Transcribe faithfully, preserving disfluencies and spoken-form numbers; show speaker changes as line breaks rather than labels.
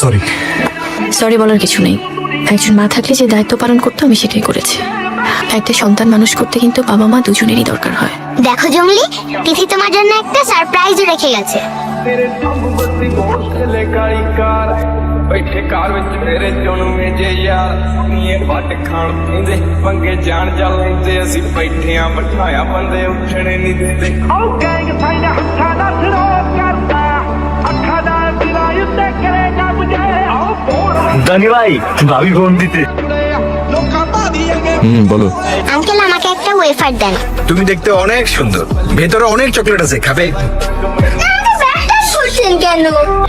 Sorry.
Sorry বলার কিছু নেই, একজন মা থাকলে যে দায়িত্ব পালন করতো আমি সেটাই করেছি। একটা সন্তান মানুষ করতে কিন্তু বাবা মা দুজনেরই দরকার হয়।
দেখো জঙ্গলি, তিথি তোমার জন্য একটা সারপ্রাইজও রেখে গেছে।
ਬੈਠੇ ਘਰ ਵਿੱਚ ਮੇਰੇ ਜਨਮੇ ਜੇ ਯਾਰ ਨੀਏ ਵੱਟ ਖਾਣ ਪੀਂਦੇ ਪੰਗੇ ਜਾਣ ਜਾ ਲੈਂਦੇ ਅਸੀਂ ਬੈਠਿਆਂ ਬਿਠਾਇਆ ਬੰਦੇ ਉੱਠਣੇ ਨਹੀਂ ਦਿੰਦੇ ਆਓ ਗੈਂਗ ਸਾਡਾ ਹੱਥਾਂ ਦਾ ਸਿਰੋ ਕਰਦਾ ਅੱਖਾਂ ਦਾ ਦਿਲਾਂ ਉੱਤੇ ਕਰੇਗਾ ਮੁਝੇ ਆਓ ਬੋਲ
দানি ভাই ভাবি ফোন দিতে।
ਲੋਕਾਂ ਭਾਦੀਏਗੇ
হুম বলো।
আঙ্কেল আমাকে একটা ওয়েফার দেন।
তুমি দেখতে অনেক সুন্দর, ভেতরে অনেক চকলেট আছে, খাবে?
করছেন কেন?